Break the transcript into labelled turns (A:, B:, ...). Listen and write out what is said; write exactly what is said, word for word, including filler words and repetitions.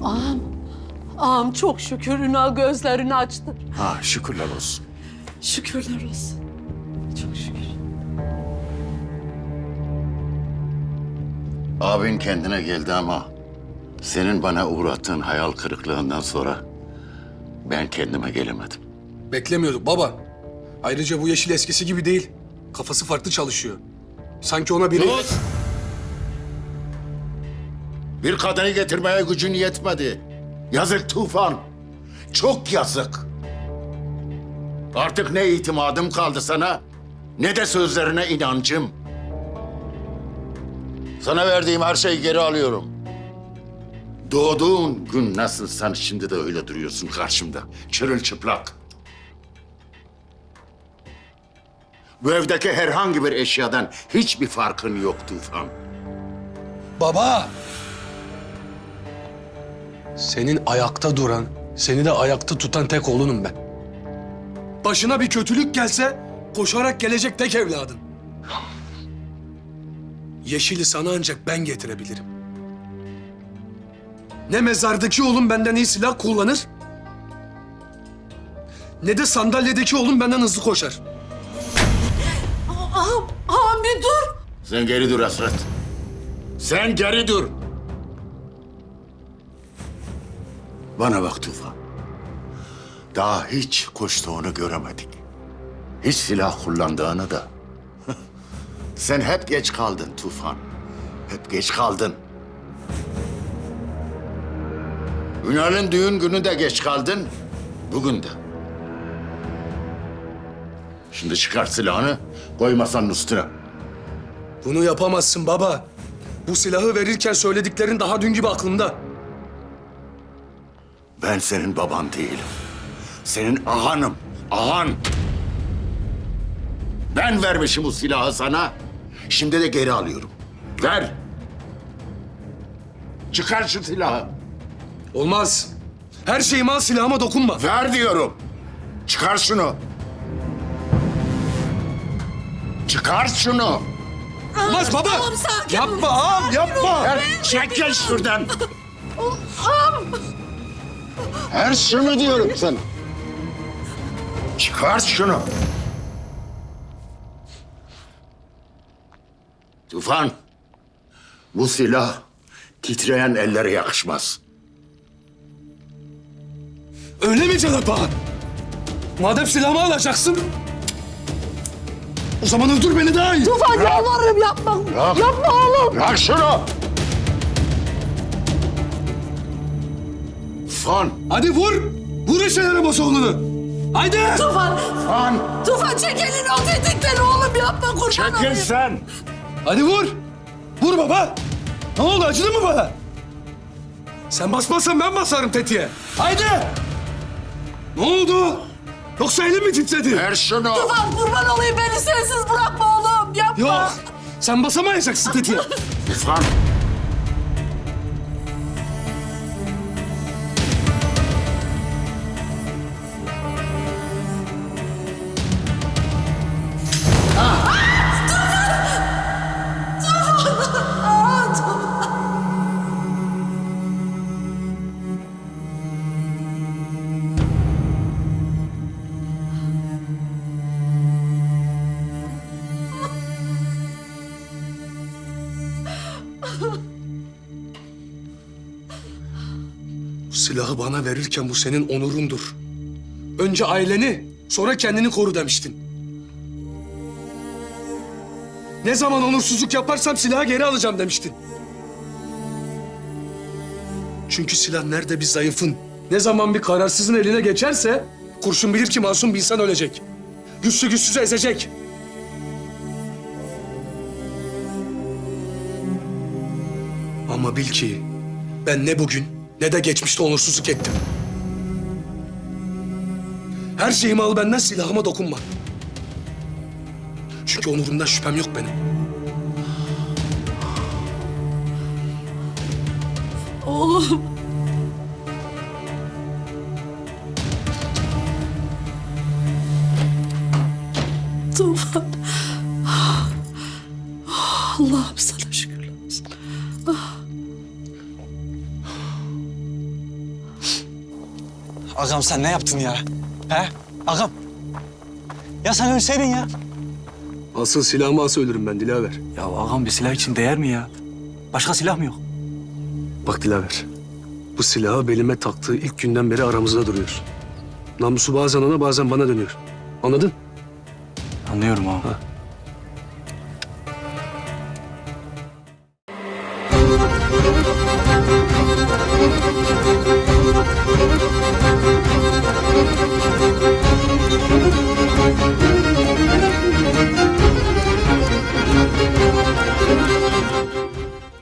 A: Ağam, ağam çok şükür Ünal gözlerini açtı.
B: Ha, şükürler olsun.
A: Şükürler olsun. Çok şükür.
B: Abin kendine geldi ama senin bana uğrattığın hayal kırıklığından sonra ben kendime gelemedim.
C: Beklemiyorduk baba. Ayrıca bu Yeşil eskisi gibi değil. Kafası farklı çalışıyor. Sanki ona biri...
B: Sus! Bir kadını getirmeye gücün yetmedi. Yazık Tufan. Çok yazık. Artık ne itimadım kaldı sana, ne de sözlerine inancım. Sana verdiğim her şeyi geri alıyorum. Doğduğun gün nasılsan şimdi de öyle duruyorsun karşımda. Çırılçıplak. Bu evdeki herhangi bir eşyadan hiçbir farkın yok Tufan.
C: Baba! Senin ayakta duran, seni de ayakta tutan tek oğlunum ben. Başına bir kötülük gelse koşarak gelecek tek evladın. Yeşil'i sana ancak ben getirebilirim. Ne mezardaki oğlum benden iyi silah kullanır, ne de sandalyedeki oğlum benden hızlı koşar.
A: Ağam, ağam bir dur.
B: Sen geri dur Hasret. Sen geri dur. Bana bak Tufan. Daha hiç koştuğunu göremedik. Hiç silah kullandığını da. Sen hep geç kaldın Tufan. Hep geç kaldın. Ünal'ın düğün günü de geç kaldın. Bugün de. Şimdi çıkar silahını, koy masanın üstüne.
C: Bunu yapamazsın baba. Bu silahı verirken söylediklerin daha dün gibi aklımda.
B: Ben senin baban değilim. Senin ağanım, ağan. Ben vermişim bu silahı sana. Şimdi de geri alıyorum. Ver. Çıkar şu silahı.
C: Olmaz. Her şeyimi al, silahıma dokunma.
B: Ver diyorum. Çıkar şunu. Çıkar şunu.
C: Olmaz baba.
A: Ağam sakin.
C: Yapma ağam, yapma.
B: Ver, çekil şuradan.
A: Ağam.
B: Ver şunu diyorum sana. Çıkar şunu. Tufan, bu silah titreyen ellere yakışmaz.
C: Öyle mi Cenap ağa? Madem silahımı alacaksın, o zaman öldür beni daha iyi.
A: Tufan yalvarırım yapma.
B: Bırak.
A: Yapma oğlum.
B: Bırak şunu. Tufan,
C: Hadi vur. Vur eşe yaramaz oğlunu. Haydi.
A: Tufan.
B: Tufan.
A: Tufan çek elini o tetikleri oğlum yapma kurban
B: Çekil
A: olayım.
B: sen.
C: Hadi vur. Vur baba. Ne oldu, acıdı mı bana? Sen basmazsan ben basarım tetiğe. Haydi. Ne oldu? Yoksa elim mi titredi?
B: Ver şunu.
A: Tufan kurban olayım beni sensiz bırakma oğlum yapma.
C: Yok. Sen basamayacaksın tetiğe.
B: Tufan.
A: Aa, Tufan.
C: Bu silahı bana verirken bu senin onurundur. Önce aileni, sonra kendini koru demiştin. Ne zaman onursuzluk yaparsam silahı geri alacağım demiştin. Çünkü silah nerede bir zayıfın, ne zaman bir kararsızın eline geçerse kurşun bilir ki masum bir insan ölecek. Güçlü güçsüzü ezecek. Ama bil ki ben ne bugün ne de geçmişte onursuzluk ettim. Her şeyimi al benden, silahıma dokunma. Çünkü onurumdan şüphem yok benim.
A: Oğlum. Tufan. Allah'ım sana şükürler olsun.
D: Ağam sen ne yaptın ya? He? Ağam. Ya sen ölseydin ya.
C: Asıl silahımı alsa ölürüm ben Dilaver.
D: Ya ağam bir silah için değer mi ya? Başka silah mı yok?
C: Bak Dilaver, bu silahı belime taktığı ilk günden beri aramızda duruyor. Namusu bazen ona bazen bana dönüyor. Anladın?
D: Anlıyorum ağam.
C: Ha.